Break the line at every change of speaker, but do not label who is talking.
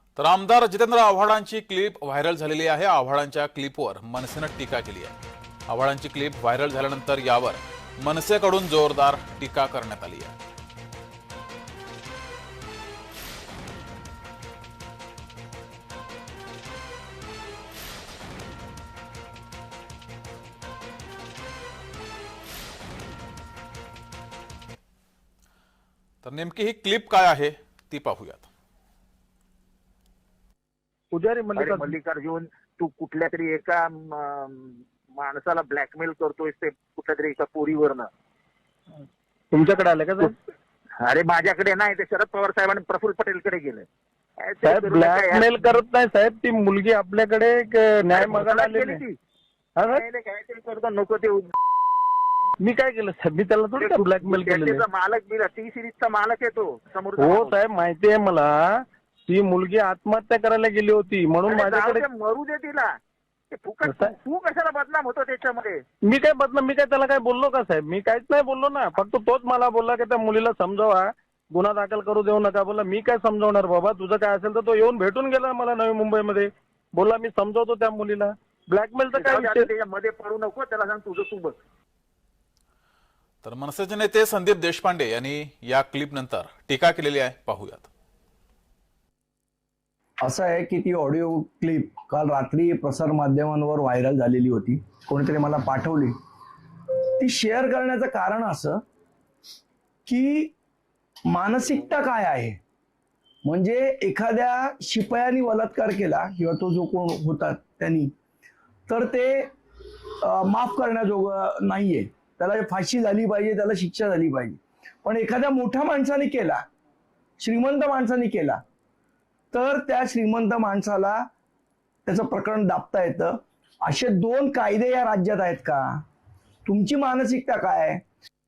तर आमदार Jitendra आव्हाडांची clip viral झालेली आहे। आव्हाडांच्या क्लिपवर मनसेनं टीका केली आहे। आव्हाडांची क्लिप व्हायरल झाल्यानंतर यावर मनसेकडून जोरदार टीका करण्यात आली आहे। तर नेमकी ही क्लिप काय आहे ती पाहूयात।
पुजारी
अरे मल्लिकार्जुन, तू कुठल्या तरी एका माणसाला ब्लॅकमेल करतोय ते कुठल्या तरी एका पोरीवरनं।
तुमच्याकडे आले का साहेब?
अरे माझ्याकडे नाही, ते शरद पवार साहेबांनी प्रफुल्ल पटेलकडे गेले।
साहेब ब्लॅकमेल करत नाही साहेब, ती मुलगी आपल्याकडे न्याय मागायला आलेली आहे।
काहीतरी करतो नको ते।
मी काय केलं साहेब? मी त्याला थोडी ब्लॅकमेल केलेलं आहे।
मालक बिल टी सिरीजचा मालक आहे तो समोर।
हो साहेब माहिती आहे मला, ती मुलगी आत्महत्या करायला गेली होती म्हणून माझ्याकडे।
मरू दे तिला, तू कशाला बदनाम होतो त्याच्यामध्ये?
मी काय बदनाम? मी काय त्याला काय बोललो का साहेब? मी काहीच नाही बोललो ना, फक्त तोच मला बोलला की त्या मुलीला समजावा, गुन्हा दाखल करू देऊ नका। बोला मी काय समजावणार बाबा, तुझं काय असेल तर तो येऊन भेटून गेला मला नवी मुंबईमध्ये, बोला मी समजावतो त्या मुलीला। ब्लॅकमेलचं काय विषय?
त्याच्यामध्ये पडू नको, त्याला सांग तुझं तू बघ।
तर मनसेचे नेते संदीप देशपांडे यांनी या क्लिप नंतर टीका केलेली आहे, पाहूयात।
असं आहे की ती ऑडिओ क्लिप काल रात्री प्रसार माध्यमांवर व्हायरल झालेली होती, कोणीतरी मला पाठवली। ती शेअर करण्याचं कारण असं की मानसिकता काय आहे, म्हणजे एखाद्या शिपायाने बलात्कार केला किंवा तो जो कोण होता त्यांनी, तर ते माफ करण्याजोगं नाहीये, त्याला फाशी झाली पाहिजे, त्याला शिक्षा झाली पाहिजे। पण एखाद्या मोठ्या माणसाने केला, श्रीमंत माणसाने केला, तर त्या श्रीमंत माणसाला त्याचं प्रकरण दाबता येतं। असे दोन कायदे या राज्यात आहेत का? तुमची मानसिकता काय आहे?